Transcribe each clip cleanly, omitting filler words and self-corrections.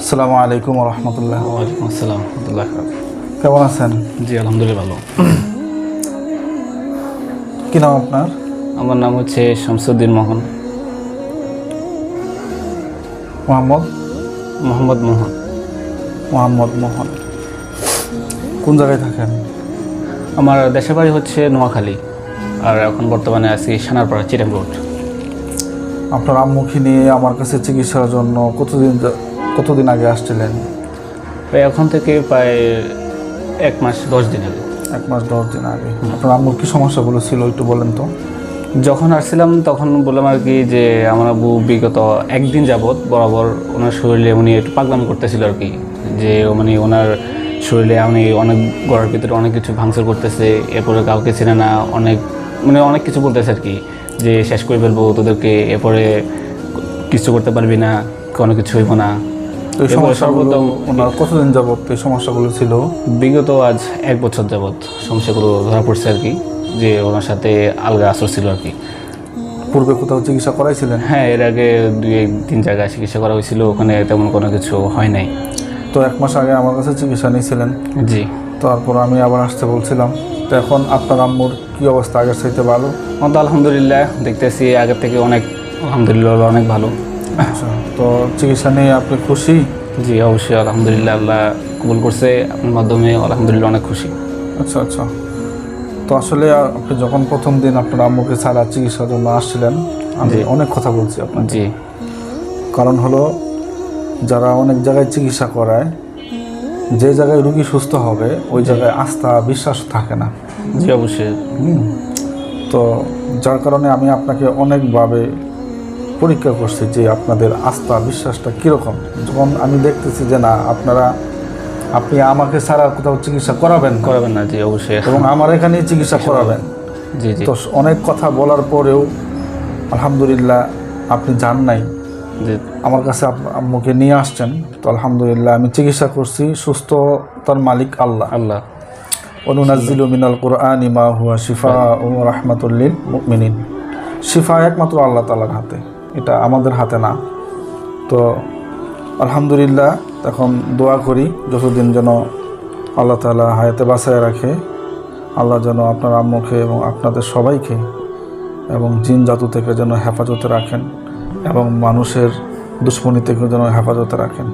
আসসালামু আলাইকুম রহমতুল্লাহ। ওয়ালাইকুম আসসালাম রহমতুল্লাহ। কেমন আছেন? জি আলহামদুলিল্লাহ ভালো। কি নাম আপনার? আমার নাম হচ্ছে শামসুদ্দিন মোহন। মোহাম্মদ মোহাম্মদ মোহন। মোহাম্মদ মোহন। কোন জায়গায় থাকেন? আমার দেশের বাড়ি হচ্ছে নোয়াখালী, আর এখন বর্তমানে আছি সানারপাড়া চিটাং রোড। আপনার আম্মুকে নিয়ে আমার কাছে চিকিৎসার জন্য কতদিন আগে আসছিলেন? এখন থেকে প্রায় 1 মাস 10 দিন আগে। 1 মাস 10 দিন আগে। আপনার আম্মুর কি সমস্যাগুলো ছিল একটু বলেন তো। যখন আসছিলাম তখন বললাম আর কি যে আমার আব্বু বিগত 1 দিন যাবৎ বরাবর ওনার শরীরে উনি একটু পাগলামি করতেছিল আর কি, যে মানে ওনার শরীরে উনি অনেক গড়ার ভিতরে অনেক কিছু ভাঙচুর করতেছে, এরপরে কাউকে চেনে না, অনেক কিছু বলতেছে আর কি, যে শেষ করে ফেলবো তোদেরকে, এরপরে কিছু করতে পারবি না, কোনো কিছু হইব না। তো এই সমস্যাগুলো ওনার কতদিন যাবত এই সমস্যাগুলো ছিল? বিগত আজ 1 বছর যাবৎ সমস্যাগুলো ধরা পড়ছে আর কি, যে ওনার সাথে আলগা আসর ছিল আর কি। পূর্বে কোথাও চিকিৎসা করাইছিলেন? হ্যাঁ, এর আগে 2-3 জায়গায় চিকিৎসা করা হয়েছিল, ওখানে তেমন কোনো কিছু হয় নাই। তো 1 মাস আগে আমার কাছে চিকিৎসা নিয়েছিলেন। জি। তারপর আমি আবার আসতে বলছিলাম। তো এখন আপনার আম্মুর কি অবস্থা? আগের চাইতে ভালো? আমার তো আলহামদুলিল্লাহ দেখতেছি আগের থেকে আলহামদুলিল্লাহ অনেক ভালো। আচ্ছা, তো চিকিৎসা নিয়ে আপনি খুশি? জি অবশ্যই আলহামদুলিল্লাহ, আল্লাহ কবুল করছে আপনার মাধ্যমে, আলহামদুলিল্লাহ অনেক খুশি। আচ্ছা আচ্ছা। তো আসলে আপনি যখন প্রথম দিন আপনার আম্মুকে ছাড়া চিকিৎসার জন্য আসছিলেন, আমি অনেক কথা বলছি আপনার। জি। কারণ হলো, যারা অনেক জায়গায় চিকিৎসা করায়, যে জায়গায় রুগী সুস্থ হবে ওই জায়গায় আস্থা বিশ্বাস থাকে না। জি অবশ্যই। তো যার কারণে আমি আপনাকে অনেকভাবে পরীক্ষা করছি যে আপনাদের আস্থা বিশ্বাসটা কীরকম। যখন আমি দেখতেছি যে না, আপনি আমাকে ছাড়া কোথাও চিকিৎসা করাবেন না। জি অবশ্যই। এবং আমার এখানেই চিকিৎসা করাবেন। জি জি। তো অনেক কথা বলার পরেও আলহামদুলিল্লাহ আপনি যান নাই, জি। আমার কাছে আম্মুকে নিয়ে আসছেন। তো আলহামদুলিল্লাহ আমি চিকিৎসা করছি। সুস্থতার মালিক আল্লাহ। অনুনাজ্জিলু মিনাল কুরআনি মা হুয়া শিফাউন ওয়া রাহমাতুল লিল মুমিনিন। শিফা একমাত্র আল্লাহ তাআলার হাতে, এটা আমাদের হাতে না। তো আলহামদুলিল্লাহ এখন দোয়া করি যতদিন যেন আল্লাহ তাআলা হায়াতে বাঁচায় রাখে, আল্লাহ যেন আপনার আম্মুকে এবং আপনাদের সবাইকে এবং জিন জাতু থেকে যেন হেফাজতে রাখেন এবং মানুষের দুশ্মনী থেকে যেন হেফাজতে রাখেন।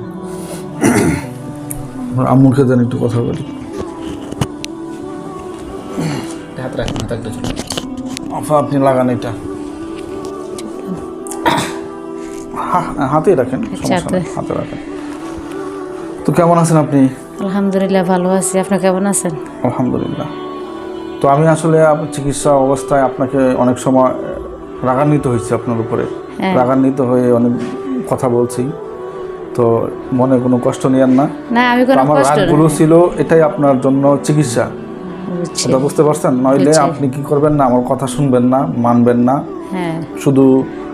আম্মুকে যেন একটু কথা বলি। হাত রাখেন, আফা আপনি লাগান এটা, হাতে রাখেন, হাতে রাখেন। তো কেমন আছেন আপনি? আলহামদুলিল্লাহ ভালো আছি, আপনি কেমন আছেন? আলহামদুলিল্লাহ। তো আমি আসলে চিকিৎসা অবস্থায় আপনাকে অনেক সময় রাগান্বিত হয়েছি আপনার উপরে, রাগান্বিত হয়ে অনেক কথা বলছি। তো মনে কোনো কষ্ট নিয়েন না। আমার রাগগুলো ছিল এটাই আপনার জন্য চিকিৎসা, এটা বুঝতে পারছেন? নইলে আপনি কি করবেন না, আমার কথা শুনবেন না, মানবেন না, শুধু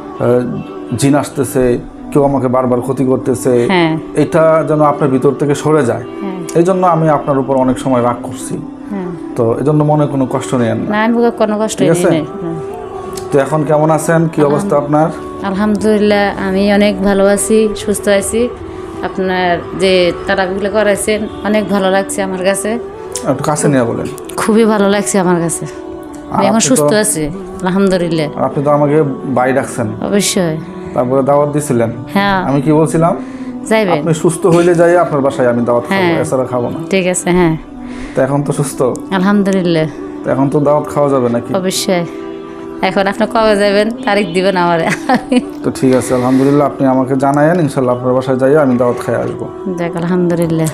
জিন আসতেছে, কেউ আমাকে বারবার ক্ষতি করতেছে, এটা যেন আপনার ভিতর থেকে সরে যায়। এই জন্য আমি আপনার উপর অনেক সময় রাগ করছি। তো এই জন্য মনে কোনো কষ্ট নেন না। কোনো কষ্ট নেই। তো এখন কেমন আছেন? কি অবস্থা আপনার? আলহামদুলিল্লাহ আমি অনেক ভালো আছি, সুস্থ আছি। আপনার যে তারাবিগুলো করাইছেন অনেক ভালো লাগছে আমার কাছে। একটু কাছে নিয়ে বলেন। খুবই ভালো লাগছে আমার কাছে, আমি এখন সুস্থ আছি আলহামদুলিল্লাহ। আপনি তো আমাকে বাই ডাকছেন। অবশ্যই। তারপরে দাওয়াত দিছিলেন। হ্যাঁ। আমি কি বলছিলাম? যাইবেন। আপনি সুস্থ হইলে যাই আপনার বাসায় আমি দাওয়াত খাবো, এছাড়া খাবো না। ঠিক আছে। হ্যাঁ। তো এখন তো সুস্থ আলহামদুলিল্লাহ। তো এখন তো দাওয়াত খাওয়া যাবে নাকি? অবশ্যই। এখন আপনি কবে যাবেন, তারিখ দিবেন আমারে। তো ঠিক আছে, আলহামদুলিল্লাহ আপনি আমাকে জানায়েন, ইনশাল্লাহ আপনার বাসায় যাই আমি দাওয়াত খাই আসবো। যাক আলহামদুলিল্লাহ।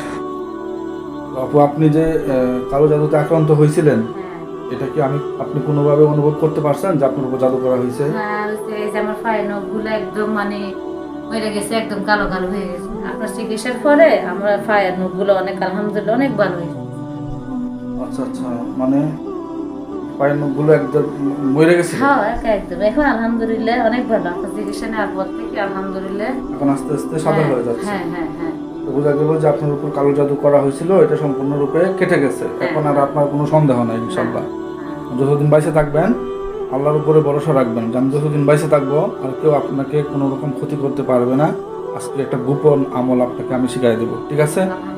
আপু আপনি যে কালো জাদুতে আক্রান্ত হয়েছিলেন, এটা কি আপনি কোনোভাবে অনুভব করতে পারছেন যে আপনার উপর জাদু করা হয়েছে? হ্যাঁ, এই যে আমার পায়ের নখগুলো একদম মরে গেছে, একদম কালো কালো হয়ে গেছে। আপনার চিকিৎসার পরে আমার পায়ের নখগুলো অনেক আলহামদুলিল্লাহ অনেক ভালো হয়েছে। আচ্ছা আচ্ছা, মানে পায়ের নখগুলো একদম মরে গেছে? হ্যাঁ একদম, এখন আলহামদুলিল্লাহ অনেক ভালো। আপনার চিকিৎসা নেওয়ার পর থেকে আলহামদুলিল্লাহ এখন আস্তে আস্তে সাদা হয়ে যাচ্ছে। হ্যাঁ হ্যাঁ হ্যাঁ। বোঝা গেল যে আপনার উপর কালো জাদু করা হয়েছিল, এটা সম্পূর্ণরূপে কেটে গেছে। এখন আর আপনার কোনো সন্দেহ নাই ইনশাল্লাহ। যতদিন বাইসে থাকবেন আল্লাহর উপরে ভরসা রাখবেন যে আমি যতদিন বাইসে থাকবো আর কেউ আপনাকে কোনো রকম ক্ষতি করতে পারবে না, আজকে একটা গোপন আমল আপনাকে আমি শিখাই দেবো, ঠিক আছে?